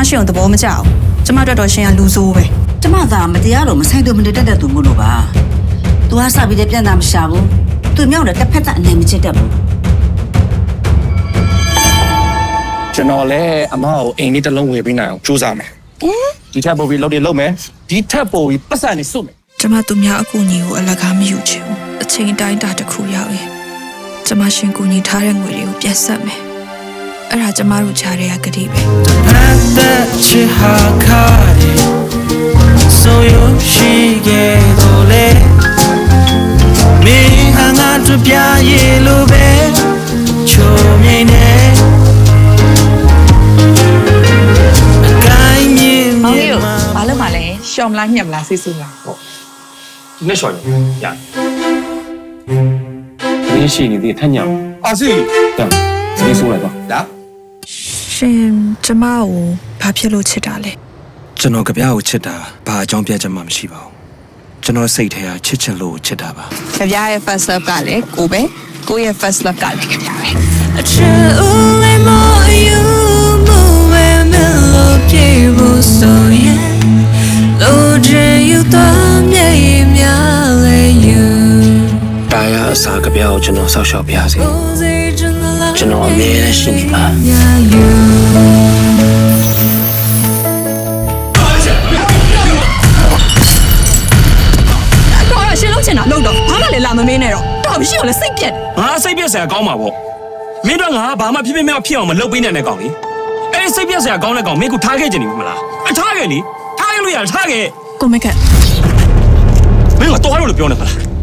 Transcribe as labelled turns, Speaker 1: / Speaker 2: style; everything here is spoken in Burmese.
Speaker 1: ရှင်ကိုသဘောမကျအောင်ကျမတို့တော့ရှင်ကလူဆိုးပဲ
Speaker 2: ကျမသာမတရားလို့မဆိုင်သူမတတ်တဲ့သူမို့လို့ပါ။ तू ဟာစပြီးတဲ့ပြန်တာမရှာဘူး။ तू မြောက်တဲ့တစ်ဖက်သက်အနေမချစ်တတ်ဘူး
Speaker 3: ကျွန်တော်လည်းအမကိုအိမ်လေးတစ်လုံးဝယ်ပေးနိုင်အောင်ကြိုးစားမယ်ဒီထက်ပိုပြီးလုပ်တယ်လုပ်မယ်ဒီထက်ပိုပြီးပတ်စံနေစုမယ်
Speaker 1: ကျမသူများအကူအညီကိုအလကားမယူချင်ဘူးအချိန်တိုင်းတာတစ်ခုရောက်ရင်ကျမရှင်ကူညီထားတဲ့ငွေတွေကိုပြန်ဆက်မယ်အဲ့ဒါကျမတို့ချားတဲ့ကတိပဲ
Speaker 4: So you she get ole me hanga to pya ye lo be cho mye ne gai mye
Speaker 5: မောင်ကြီးဘာလို့မလဲရှော့မလားညက်မလားစိတ်ဆူလား
Speaker 3: ဒီနေ့ရှော်ရရ你是你的太娘啊是这样你说来吧来
Speaker 1: ရှင်ကျမကိုဘာဖြစ်လို့ချစ်တာလဲ
Speaker 4: ကျွန်တော်ကြပြားကိုချစ်တာဘာအကြောင်းပြချက်မှမရှိပါဘူးကျွန်တော်စိတ်ထဲကချစ်ချင်လို့ချစ်တာပါ
Speaker 5: ကြပြရဲ့ first love ကလည်းကိုပဲကိုရဲ့ first love ကလည်းကြပြပဲ
Speaker 6: အချစ်ဦးလေးမယူမဝဲမလို့ပြေဖို့ဆိုရင်လို့ချင်ယူတော့မြေမြလေယူ
Speaker 4: တာယာအစာကြပြားကိုကျွန်တော်ဆောက်ရှောက်ပြစေကျွန်တော်အမြဲတမ်းရှိနေပါ
Speaker 1: တော့ရှင်လုံးချင်တာလုံးတော့ဘာမှလည်းလာမမင်းနဲ့တော့တော်မရှိအောင်လည်းစိတ်ပြက်
Speaker 7: ငါစိတ်ပြက်စရာကောင်းမှာပေါ့မင်းတို့ငါဘာမှဖြစ်ဖြစ်မဖြစ်အောင်မလုပ်ပေးနိုင်တဲ့ကောင်လေအဲ့စိတ်ပြက်စရာကောင်းတဲ့ကောင်မင်းကထားခဲ့ကြနေပြီမလားထားခဲ့လေထားခဲ့လို့ရထားခဲ့
Speaker 1: ကိုမက်က
Speaker 7: မင်းကတော့လို့ပြောနေပါလား